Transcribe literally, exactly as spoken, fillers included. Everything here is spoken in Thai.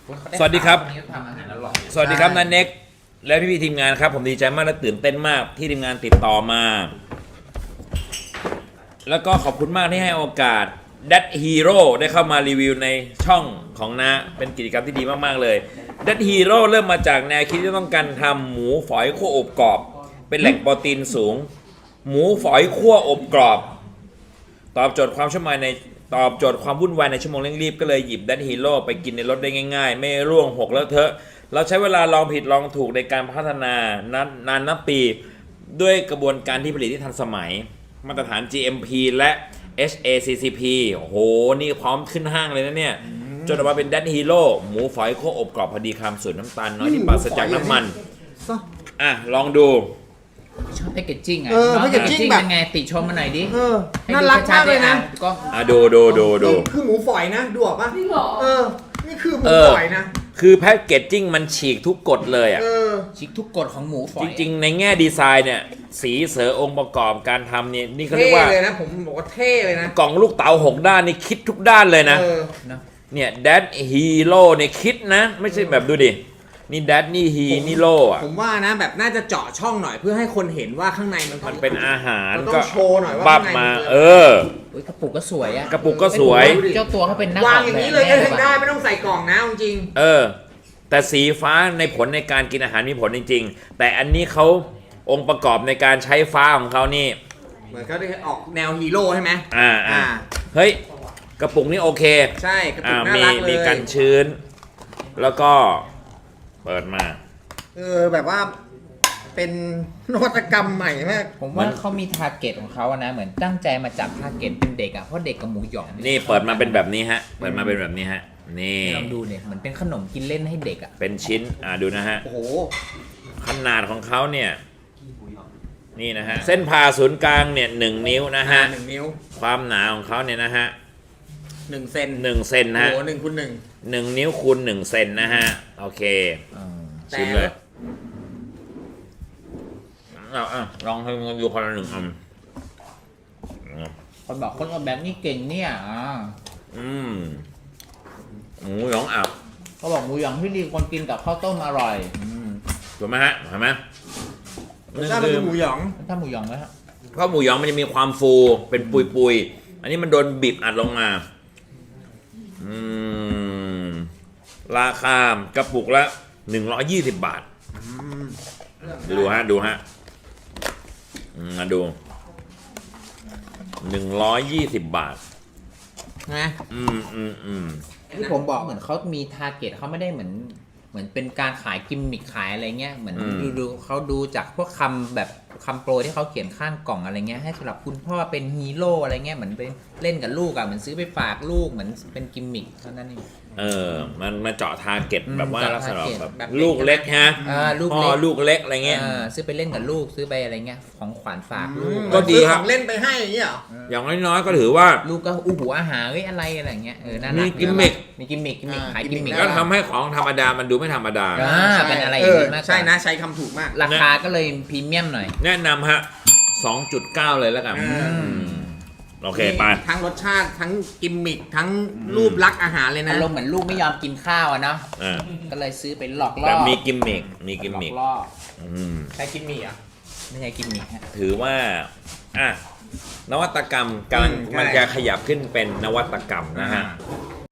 สวัสดีครับทำอาหารอร่อยสวัสดีครับนันเน็กและพี่พี่ทีมงานครับผมดีใจมากและตื่นเต้นมากที่ทีมงานติดต่อมา แล้วก็ขอบคุณมากที่ให้โอกาส That Hero ได้เข้ามารีวิวในช่องของน้าเป็นกิจกรรมที่ดีมากๆเลย That Hero เริ่มมาจากแนวคิดที่ต้องการทำหมูฝอยคั่วอบกรอบ เป็นแหล่งโปรตีนสูง หมูฝอยคั่วอบกรอบ ตอบโจทย์ความชั่วโมงในตอบโจทย์ความวุ่นวายในชั่วโมงเร่งรีบก็เลยหยิบ That Hero ไปกินในรถได้ง่ายๆ ไม่ร่วงหกแล้วเถอะเราใช้เวลาลองผิดลองถูกในการพัฒนานานนานนับปี ด้วยกระบวนการที่ผลิตที่ทันสมัย มาตรฐาน จี เอ็ม พี และ เอช เอ ซี ซี พี โอ้โห นี่พร้อมขึ้นห้างเลยนะเนี่ยจนออกมาเป็น That Hero หมูฝอยคั่วอบกรอบพอดีคำสูตรน้ำตาลน้อยที่ปราศจากน้ำมันอ่ะลองดูชอบแพคเกจจิ้งอ่ะเออแพคเกจจิ้งแบบเป็นไงติชมมาหน่อยดิเออน่ารักมากเลยนะก็อ่ะดูดูดูดูคือหมูฝอยนะดูออกปะเออนี่คือหมูเออฝอยนะคือแพ็กเกจจิ้งมันฉีกทุกกฎเลยอ่ะเออชิคทุกกฎของหมูฝอยจริงๆ ในแง่ดีไซน์เนี่ย สีเสือองค์ประกอบการทำเนี่ยนี่เขาเรีเท่ยกว่าเลยนะผมบอกว่าเท่เลยนะกล่องลูกเต๋าหกด้านนี่คิดทุกด้านเลยนะเออนะเนี่ย That Hero เนี่ยคิดนะ ไม่ใช่แบบดูดิ นี่ That นี่ He นี่โลอ่ะผมว่านะแบบน่าจะเจาะช่องหน่อยเพื่อให้คนเห็นว่าข้างในมันมันเป็นอาหารมันต้ก็องโชว์หน่อยว่าบับข้างในมามันเอออุ๊ยกระปุกก็สวยอ่ะกระปุกก็สวยเจ้าตัวเขาเป็นนักวางออกอย่างแบบนี้เลยก็แน่ถึงได้ไม่ต้องใส่กล่องนะจริงเออ แต่สีฟ้าในผลในการกินอาหารมีผลจริงๆ แต่อันนี้เขาองค์ประกอบในการใช้ฟ้าของเขานี่เหมือนเขาได้ออกแนวฮีโร่ใช่ไหมอ่าอ่าอ่าเฮ้ย กระปุกนี่โอเคใช่กระปุอ่ากน่ามีรักเลยมีกันชื้น แล้วก็เปิดมาเออแบบว่าเป็นนวัตกรรมใหม่มากผมว่าเขามีทาร์เก็ตของเขาอะนะเหมือนตั้งใจมาจับทาร์เก็ตเป็นเด็กอ่ะเพราะเด็กกับหมูหยองนี่เปิดมาเป็นแบบนี้ฮะ เปิดมาเป็นแบบนี้ฮะ นี่ลองดูเนี่ยเหมือนเป็นขนมกินเล่นให้เด็กอ่ะเป็นชิ้น อ่าดูนะฮะโอ้โหขนาดของเขาเนี่ย นี่นะฮะ เส้นผ่าศูนย์กลางเนี่ยหนึ่งนิ้วนะฮะหนึ่งนิ้วความหนาของเขาเนี่ยนะฮะหนึ่งเซนหนึ่งเซนโอ้นะฮะโหหนึ่งคูณหนึ่งหนึ่งนิ้วคูณหนึ่งเซนนะฮะ โอเคแต่ชิมเลยเอาอ่ะลองให้มันดูคนละหนึ่งอันคนบอกคนออกแบบนี้เก่งเนี่ยอ่าอืมหมูหยองอับเขาบอกหมูหยองที่ดีคนกินกับข้าวต้มอร่อยอืมถูกไหมฮะเห็นไหมรสชาติมันคือหมูหยองถ้าหมูหยองไหมฮะเพราะหมูหยองมันจะมีความฟูเป็นปุยปุยๆอันนี้มันโดนบีบอัดลงมา อืม ราคากระปุกละหนึ่งร้อยยี่สิบบาท ดูฮะ ดูฮะอืมมาดูหนึ่งร้อยยี่สิบบาทนะอืมอืมอืมที่ผมบอกเหมือนเขามีทาร์เก็ตเขาไม่ได้เหมือนเหมือนเป็นการขายกิมมิคขายอะไรเงี้ยเหมือนอืมดูดูเขาดูจากพวกคำแบบคำโปรที่เขาเขียนข้างกล่องอะไรเงี้ยให้สำหรับคุณพ่อเป็นฮีโร่อะไรเงี้ยเหมือนไปเล่นกับลูกอะเหมือนซื้อไปฝากลูกเหมือนเป็นกิมมิคเท่านั้นเองเออ มันมาเจาะทาร์เก็ตอืมแบบว่าเจาะลักษณะ target แบบแบบลูกเล็กฮะอ่าลูกพ่อเล็กลูกเล็กอะไรเงี้ยอ่าซื้อไปเล่นกับลูกซื้อไปอะไรเงี้ยของขวัญฝากลูกก็ดีครับซื้อของเล่นไปให้อย่างเงี้ยเหรออย่างน้อยๆก็ถือว่าลูกก็อู้หูอาหารเฮ้ยอะไรอะไรเงี้ยเออน่ารักมีกิมมิคมีกิมมิคกิมมิคอ่าขายกิมมิคกิมมิคก็ทำให้ของธรรมดามันดูไม่ธรรมดาอ่าเป็นอะไรอย่างนี้มากกว่าใช่นะใช้คำถูกมากราคาก็เลยพรีเมียมหน่อยแนะนำฮะ สองจุดเก้า เลยแล้วกันอืมอืมโอเคไปทั้งรสชาติทั้งกิมมิคทั้งรูปลักษณ์อาหารเลยนะอารมณ์เหมือนลูกไม่ยอมกินข้าวอะเนาะอ่าก็เลยซื้อไปหลอกล่อแต่มีกิมมิคมีกิมหลอมิคกล่ออืมใช้กิมมิคอ่ะไม่ใช่กิมมิคฮะถือว่า อ่ะ นวัตกรรมกำลังอืมใช่มันจะขยับขึ้นเป็นนวัตกรรมนะฮะอ่า